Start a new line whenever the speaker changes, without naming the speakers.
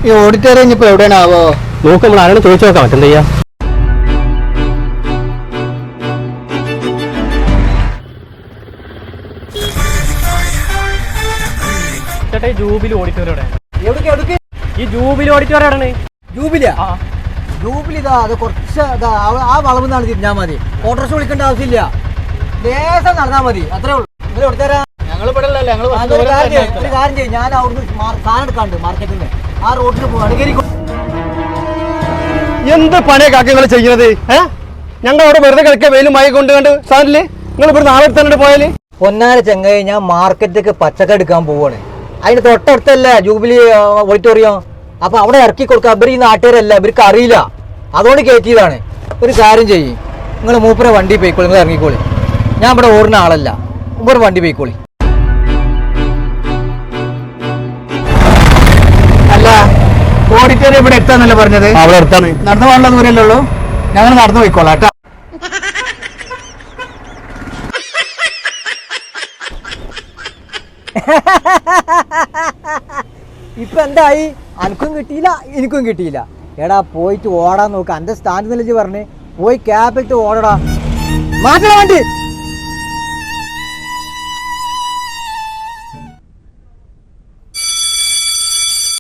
ഈ ഓഡിറ്റോറിയം ഇപ്പൊ എവിടെയാണാവോ?
നോക്ക്, നമ്മൾ ആരാണ് ചോദിച്ചു നോക്കാം. മറ്റെന്താ ചെയ്യാ? ചേട്ടാ, ഈ ജൂബിലി ഓഡിറ്റോറിയം ഈ ജൂബിലി ഓഡിറ്റോറിയം
ജൂബിലിയാ? ജൂബിലി ഇതാ, അത് കുറച്ച് ആ വളവ് നിന്നാണ് തിരിഞ്ഞാൽ മതി. ഓട്ടോറിക്ഷ വിളിക്കേണ്ട ആവശ്യമില്ല, ലേസം നടന്നാൽ മതി, അത്രേ ഉള്ളൂ. നിങ്ങൾ എടുത്തരാ. ഒരു കാര്യം ചെയ്യും, ഞാൻ അവിടുന്ന് സാധനം എടുക്കാണ്ട് മാർക്കറ്റിൽ നിന്ന് ആ റോഡിൽ പോവാണ്.
എന്ത് പണിയാ കാക്കങ്ങൾ ചെയ്യുന്നത്? ഞങ്ങൾ അവിടെ വെറുതെ കിടക്കുക, വെയിലും മായി കൊണ്ടുകൊണ്ട് സാധനല്ലേ? നിങ്ങൾ ഇവിടെ നാളെ തന്നെ പോയാല്?
പൊന്നാര ചെങ്ങായി, ഞാൻ മാർക്കറ്റിലേക്ക് പച്ചക്കറി എടുക്കാൻ പോവാണ്. അതിന് തൊട്ടടുത്തല്ല ജൂബിലി ഓഡിറ്റോറിയം. അപ്പൊ അവിടെ ഇറക്കി കൊടുക്കുക. ഇവർ ഈ നാട്ടുകാരല്ല, ഇവർക്ക് അറിയില്ല, അതുകൊണ്ട് കയറ്റിയതാണ്. ഒരു കാര്യം ചെയ്യും, നിങ്ങൾ മൂപ്പരെ വണ്ടി പോയിക്കോളി, നിങ്ങൾ ഇറങ്ങിക്കോളി. ഞാൻ ഇവിടെ ഓടുന്ന ആളല്ല, മൂപ്പര് വണ്ടി പോയിക്കോളി. അല്ല, ഓഡിറ്റോറിയം ഇവിടെ എത്താന്നല്ലേ പറഞ്ഞത്?
അവിടെ അടുത്താണ്.
നടന്നു പോകാനുള്ള ദൂരല്ലേ ഉള്ളൂ. ഞങ്ങൾ നടന്നു പോയിക്കോളാം കേട്ടോ. ഇപ്പൊ എന്തായി? അനക്കും കിട്ടിയില്ല, എനിക്കും കിട്ടിയില്ല. എടാ, പോയിട്ട് ഓടാൻ നോക്ക്. എന്റെ സ്റ്റാൻഡ് നിലച്ച് പറഞ്ഞ് പോയി ക്യാബിട്ട് ഓടടാ. മാറ്റണ വണ്ടി.